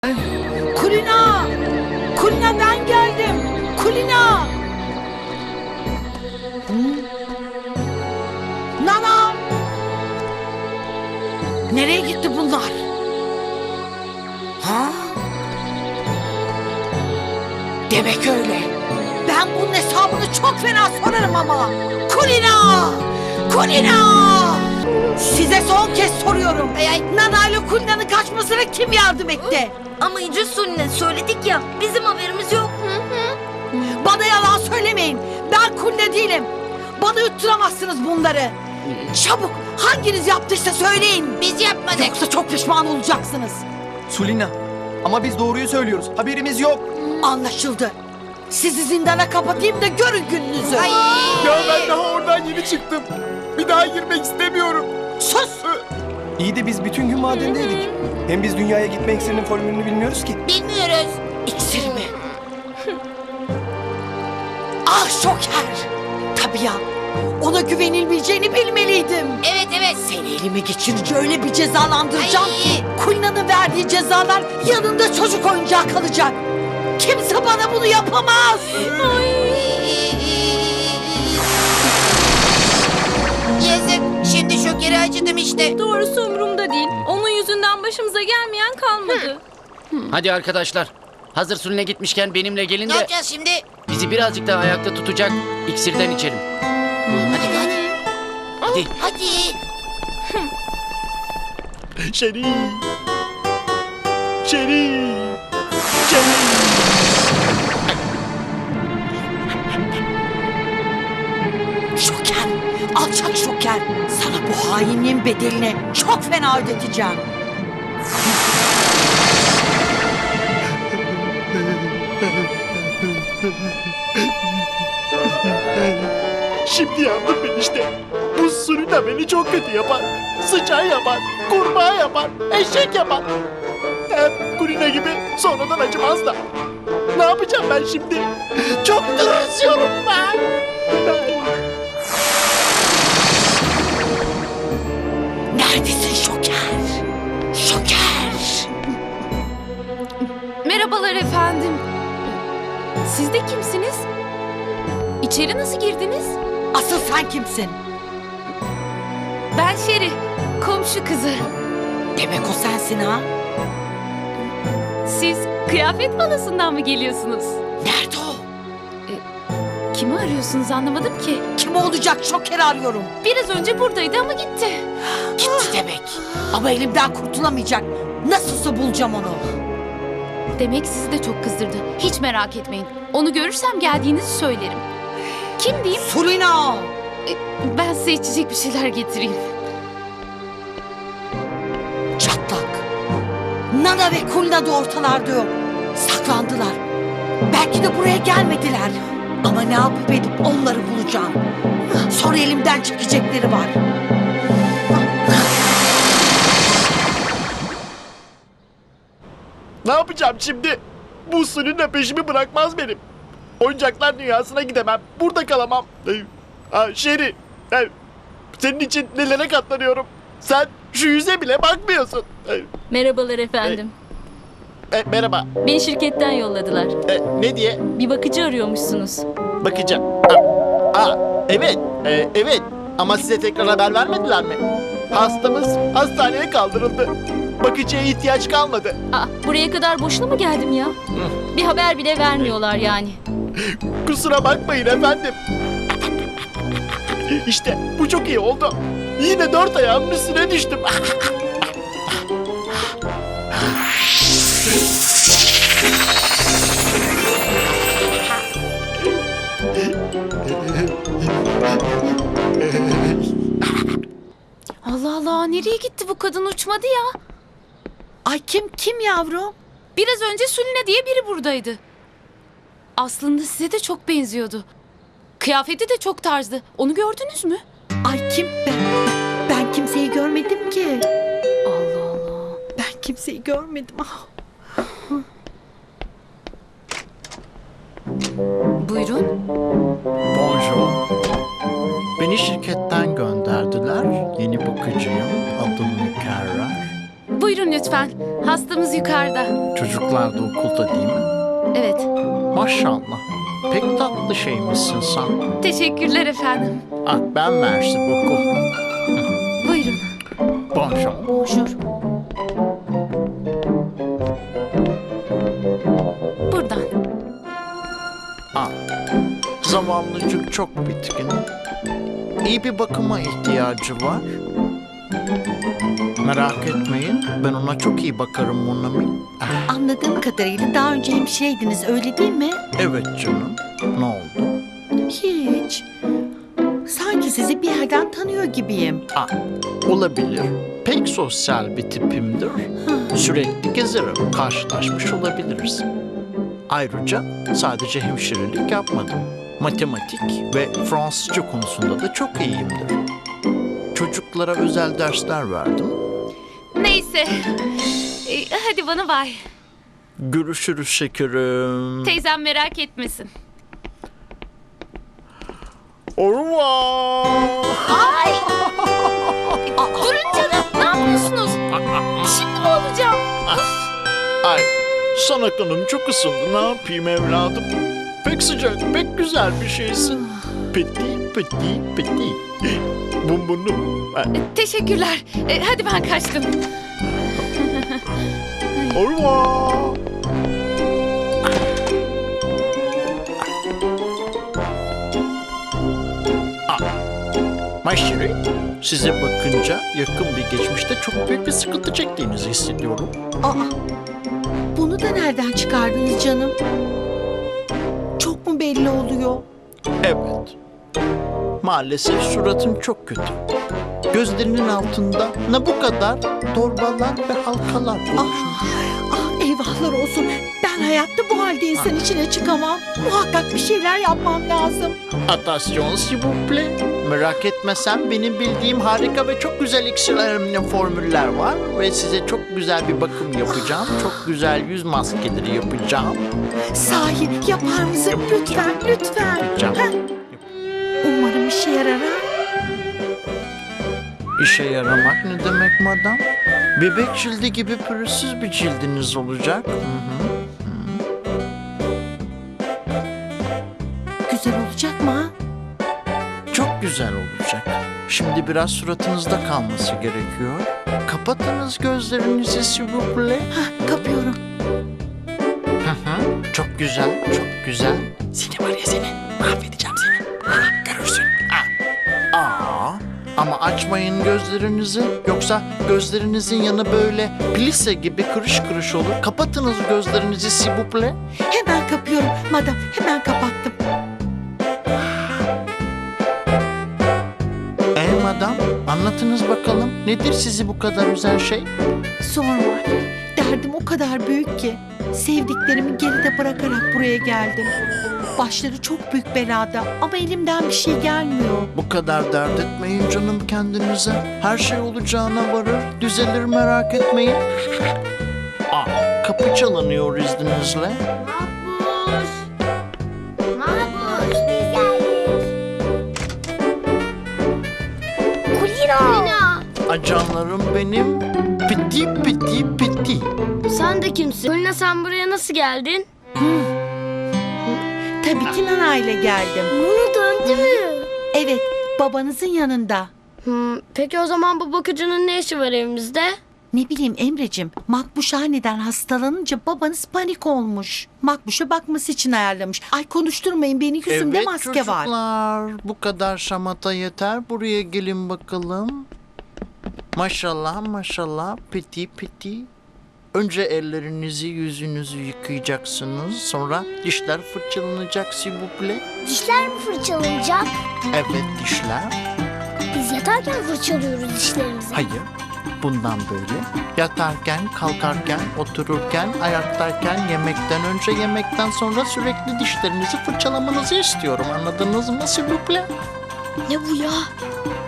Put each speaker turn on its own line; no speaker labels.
Kulina! Kulina ben geldim! Kulina! Nana! Nereye gitti bunlar? Ha? Demek öyle. Ben bunun hesabını çok fena sorarım ama. Kulina! Kulina! Size son kez soruyorum. Nana ile Kulina'nın kaçmasına kim yardım etti?
Ama İnci Suline söyledik ya, bizim haberimiz yok.
Bana yalan söylemeyin. Ben Kulina değilim. Bana yutturamazsınız bunları. Çabuk hanginiz yaptıysa söyleyin. Biz yapmadık. Yoksa çok pişman olacaksınız.
Sulina, ama biz doğruyu söylüyoruz. Haberimiz yok.
Anlaşıldı. Sizi zindana kapatayım da görün gününüzü.
Ya ben daha oradan yeni çıktım. Bir daha girmek istemiyorum.
Sus!
İyi de biz bütün gün madendeydik. Hem biz dünyaya gitme iksirinin formülünü bilmiyoruz ki.
Bilmiyoruz. İksir mi? Ah Şoker! Tabii ya. Ona güvenilmeyeceğini bilmeliydim. Evet. Seni elime geçirince öyle bir cezalandıracağım ki Kulina'nın verdiği cezalar yanında çocuk oyuncağı kalacak. Kimse bana bunu yapamaz.
Yazık. Şimdi Şoker'e acıdım işte.
Doğrusu umurumda değil. Onun yüzünden başımıza gelmeyen kalmadı.
Hadi arkadaşlar. Hazır Suline gitmişken benimle gelin
Ne
de
yapacağız şimdi?
bizi birazcık daha ayakta tutacak iksirden içelim.
Hadi.
Hadi.
Hadi.
Şerif. Şerif. Şerif.
Şoker, alçak Şoker. Sana bu hainliğin bedelini çok fena ödeteceğim.
Şimdi yandım ben işte. Bu Sulina beni çok kötü yapar. Sıçan yapar, kurbağa yapar, eşek yapar. Hem Kulina gibi sonradan acımaz da. Ne yapacağım ben şimdi? Çok tırsıyorum ben.
Neredesin Şoker? Şoker!
Merhabalar efendim. Siz de kimsiniz? İçeri nasıl girdiniz?
Asıl sen kimsin?
Ben Şeri, komşu kızı.
Demek o sensin ha?
Siz kıyafet balasından mı geliyorsunuz?
Nerede o?
Kimi arıyorsunuz anlamadım ki.
Kim olacak Şoker'i arıyorum.
Biraz önce buradaydı ama gitti.
Gitti demek. Ama elimden kurtulamayacak. Nasılsa bulacağım onu.
Demek sizi de çok kızdırdı. Hiç merak etmeyin. Onu görürsem geldiğinizi söylerim. Kim diyeyim?
Sulina!
Ben size içecek bir şeyler getireyim.
Çatlak. Nana ve Kulina da ortalarda yok. Saklandılar. Belki de buraya gelmediler. Ama ne yapıp edip onları bulacağım. Sonra elimden çekecekleri var.
Ne yapacağım şimdi? Bu Sulina peşimi bırakmaz benim. Oyuncaklar dünyasına gidemem. Burada kalamam. Şeri, senin için nelere katlanıyorum. Sen şu yüze bile bakmıyorsun.
Merhabalar efendim.
Merhaba.
Beni şirketten yolladılar.
Ne diye?
Bir bakıcı arıyormuşsunuz.
Bakacağım. Evet. Evet. Ama size tekrar haber vermediler mi? Hastamız hastaneye kaldırıldı. Bakıcıya ihtiyaç kalmadı.
Buraya kadar boşuna mı geldim ya? Bir haber bile vermiyorlar yani.
Kusura bakmayın efendim. İşte bu çok iyi oldu. Yine 4 ayağımın üstüne düştüm.
Allah Allah, nereye gitti bu kadın, uçmadı ya?
Ay kim yavrum?
Biraz önce Suline diye biri buradaydı. Aslında size de çok benziyordu. Kıyafeti de çok tarzdı. Onu gördünüz mü?
Ay kim ben kimseyi görmedim ki.
Allah Allah.
Ben kimseyi görmedim. Ah.
Buyurun.
Bonjour. Beni şirketten gönderdiler. Yeni bakıcıyım. Adım Mükerrer.
Buyurun lütfen. Hastamız yukarıda.
Çocuklar da okulda değil mi?
Evet.
Maşallah. Pek tatlı şeymişsin sen.
Teşekkürler efendim.
Ah, ben merci beaucoup.
Buyurun.
Bonjour.
Bonjour. Buradan.
Ah, zavallıcık çok bitkin. İyi bir bakıma ihtiyacı var. Merak etmeyin, ben ona çok iyi bakarım Monami. Ah,
Anladığım kadarıyla daha önce hemşireydiniz öyle değil mi?
evet canım. Ne oldu?
Hiç. Sanki sizi bir yerden tanıyor gibiyim.
Ah, olabilir. Pek sosyal bir tipimdir. Sürekli gezerim. Karşılaşmış olabiliriz. Ayrıca sadece hemşirelik yapmadım. Matematik ve Fransızca konusunda da çok iyiyimdir. Çocuklara özel dersler verdim.
Neyse. Hadi bana bay.
Görüşürüz şekerim.
Teyzem merak etmesin.
Au revoir.
Durun canım. Ne yapıyorsunuz? Şimdi mi olacağım?
Ay, sana kanım çok ısındı. Ne yapayım evladım? Pek sıcak, pek güzel bir şeysin. Petit, petit, petit. Bumbunum.
Teşekkürler. Hadi ben kaçtım.
Au revoir. Maşeri, size bakınca yakın bir geçmişte çok büyük bir sıkıntı çektiğinizi hissediyorum.
Aa, bunu da nereden çıkardınız canım? Çok mu belli oluyor?
Evet. Maalesef suratın çok kötü. Gözlerinin altında ne bu kadar torbalar ve halkalar oluşmuş.
Eyvahlar olsun. Ben hayatta bu halde insan içine çıkamam. Muhakkak bir şeyler yapmam lazım.
Attention s'il vous plaît. Merak etmesen benim bildiğim harika ve çok güzel iksirlerimle formüller var. Ve size çok güzel bir bakım yapacağım. Çok güzel yüz maskeleri yapacağım.
Sahi yapar mısın? Lütfen, lütfen.
Yapacağım.
Heh. Umarım işe yarar ha.
İşe yaramak ne demek madam? Bebek cildi gibi pürüzsüz bir cildiniz olacak. Hı hı.
Güzel olacak mı ha?
Çok güzel olacak. Şimdi biraz suratınızda kalması gerekiyor. Kapatınız gözlerinizi s'il vous plaît.
Hah, kapıyorum.
Hı hı. Çok güzel, çok güzel.
Seni var ya seni. Mahvedeceğim seni. Ha, görürsün.
Ama açmayın gözlerinizi. Yoksa gözlerinizin yanı böyle plise gibi kırış kırış olur. Kapatınız gözlerinizi s'il vous plaît.
Hemen kapıyorum. Madam hemen kapattım.
Madam, anlatınız bakalım. Nedir sizi bu kadar üzen şey?
Sorma. Derdim o kadar büyük ki. Sevdiklerimi geride bırakarak buraya geldim. Başları çok büyük belada ama elimden bir şey gelmiyor.
Bu kadar dert etmeyin canım kendinize. Her şey olacağına varır. Düzelir merak etmeyin. Kapı çalınıyor izninizle.
Mahpus. Mahpus biz geldik. Kulina.
Acanlarım benim. Piti piti piti.
Sen de kimsin? Kulina sen buraya nasıl geldin?
Tabii ki Nana ile geldim.
Bunu döndü mü?
Evet, babanızın yanında.
Peki o zaman bu bakıcının ne işi var evimizde?
Ne bileyim Emre'cim, Makbuş aniden hastalanınca babanız panik olmuş. Makbuş'a bakması için ayarlamış. Ay konuşturmayın beni, yüzümde
Evet
maske
çocuklar,
var.
bu kadar şamata yeter. Buraya gelin bakalım. Maşallah maşallah piti piti. Önce ellerinizi yüzünüzü yıkayacaksınız. Sonra dişler fırçalanacak s'il vous plaît.
Dişler mi fırçalanacak?
Evet dişler.
Biz yatarken fırçalıyoruz dişlerimizi.
Hayır. Bundan böyle yatarken, kalkarken, otururken, ayaktayken, yemekten önce, yemekten sonra sürekli dişlerinizi fırçalamanızı istiyorum. Anladınız mı s'il vous plaît?
Ne bu ya?